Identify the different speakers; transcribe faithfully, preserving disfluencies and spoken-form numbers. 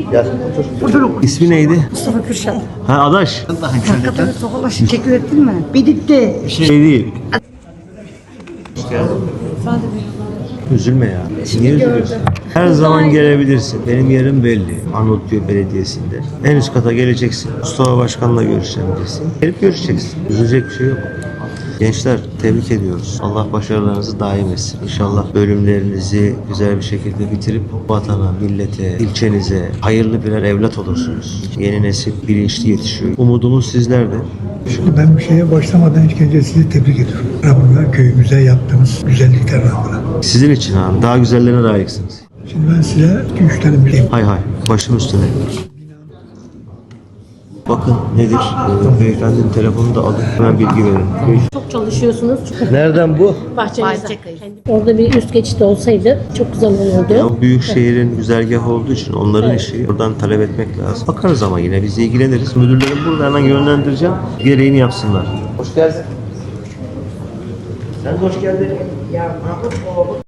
Speaker 1: Gel otur. Otur. İsmi neydi?
Speaker 2: Mustafa Kürşat.
Speaker 1: Ha Adaş.
Speaker 2: Hakikaten tokalaşın teşekkür ettin mi? Biditti.
Speaker 1: Şey değil. Hoş geldin. Üzülme ya. Niye üzülüyorsun? Her zaman gelebilirsin. Benim yerim belli. Arnavutköy Belediyesi'nde. En üst kata geleceksin. Mustafa Başkan'la görüşeceğim diyeceksin. Gelip görüşeceksin. Üzülecek bir şey yok. Gençler tebrik ediyoruz. Allah başarılarınızı daim etsin. İnşallah bölümlerinizi güzel bir şekilde bitirip vatana, millete, ilçenize hayırlı birer evlat olursunuz. Yeni nesil bilinçli yetişiyor. Umudumuz sizlerde.
Speaker 3: Şimdi ben bir şeye başlamadan ilk önce sizi tebrik ediyorum. Rabbimle köyümüze yaptığınız güzellikler Rabbimle.
Speaker 1: Sizin için abi. Daha güzellerine layıksınız.
Speaker 3: Şimdi ben size iki üç tane bir şey.
Speaker 1: Hay hay. Başım üstüne. Bakın nedir? Ee, beyefendinin telefonunu da alın. Hemen bilgi verin.
Speaker 4: Çok çalışıyorsunuz.
Speaker 1: Nereden bu?
Speaker 4: Bahçemizde. Orada bir üst geçit olsaydı çok güzel olurdu.
Speaker 1: O büyük şehrin güzergahı olduğu için onların işi buradan talep etmek lazım. Bakarız ama yine biz ilgileniriz. Müdürlerim burada hemen yönlendireceğim. Gereğini yapsınlar. Hoş geldin. Sen de hoş geldin.